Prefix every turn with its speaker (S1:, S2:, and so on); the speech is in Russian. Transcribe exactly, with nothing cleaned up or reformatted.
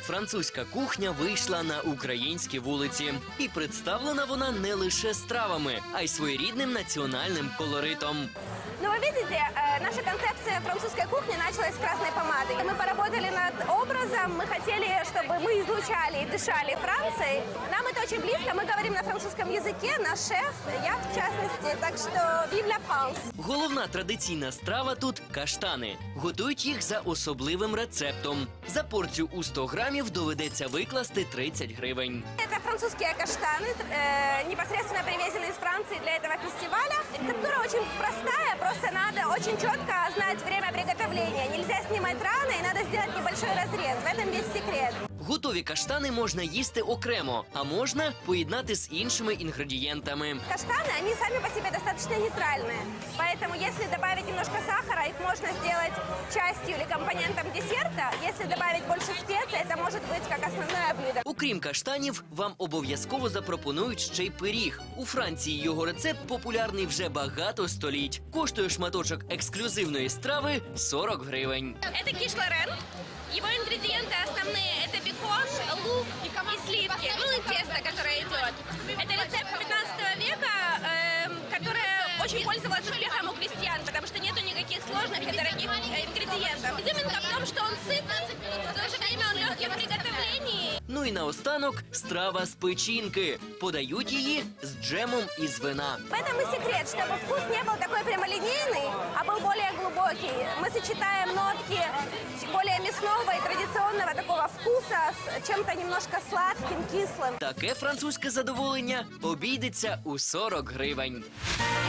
S1: французька кухня вийшла на українські вулиці. І представлена вона не лише стравами, а й своєрідним національним колоритом.
S2: Ну, вы видите, наша концепция французской кухни началась с красной помады. Мы поработали над образом, мы хотели, чтобы мы излучали и дышали Францией. Нам это очень близко, мы говорим на французском языке, наш шеф, я в частности, так что vive la France.
S1: Головна традиційна страва тут – каштани. Готують їх за особливим рецептом. За порцію у сто грамів доведеться викласти тридцять гривень.
S2: Это французские каштаны, э, непосредственно привезены из Франции для этого фестиваля. Рецептура очень простая, просто надо очень четко знать время приготовления. Нельзя снимать рано и надо сделать небольшой разрез. В этом весь секрет.
S1: Готові каштани можна їсти окремо, а можна поєднати з іншими інгредієнтами.
S2: Каштаны, они сами по себе достаточно нейтральные. Поэтому если добавить немножко сахара, их можно сделать частью или компонентом десерта. Если добавить больше специй, это может быть как основное блюдо.
S1: Окрім каштанів, вам обов'язково запропонують ще й пиріг. У Франції його рецепт популярний вже багато століть. Коштує шматочок ексклюзивної страви сорок гривень.
S2: Это киш Лорен. Его ингредиенты основные – это бекон, лук и сливки, ну и тесто, которое идет. Это рецепт пятнадцатого века, э, которое очень пользовалось успехом у крестьян, потому что нету никаких сложных и дорогих ингредиентов. Изюминка в том, что он сытный, в то же время он легкий в приготовлении.
S1: Ну і наостанок страва з печінки. Подають її з джемом із вина.
S2: В этом и секрет, чтобы вкус не был такой прямолинейный, а был более глубокий. Мы сочетаем нотки более мясного и традиционного такого вкуса с чем-то немножко сладким, кислым.
S1: Таке французьке задоволення обійдеться у сорок гривень.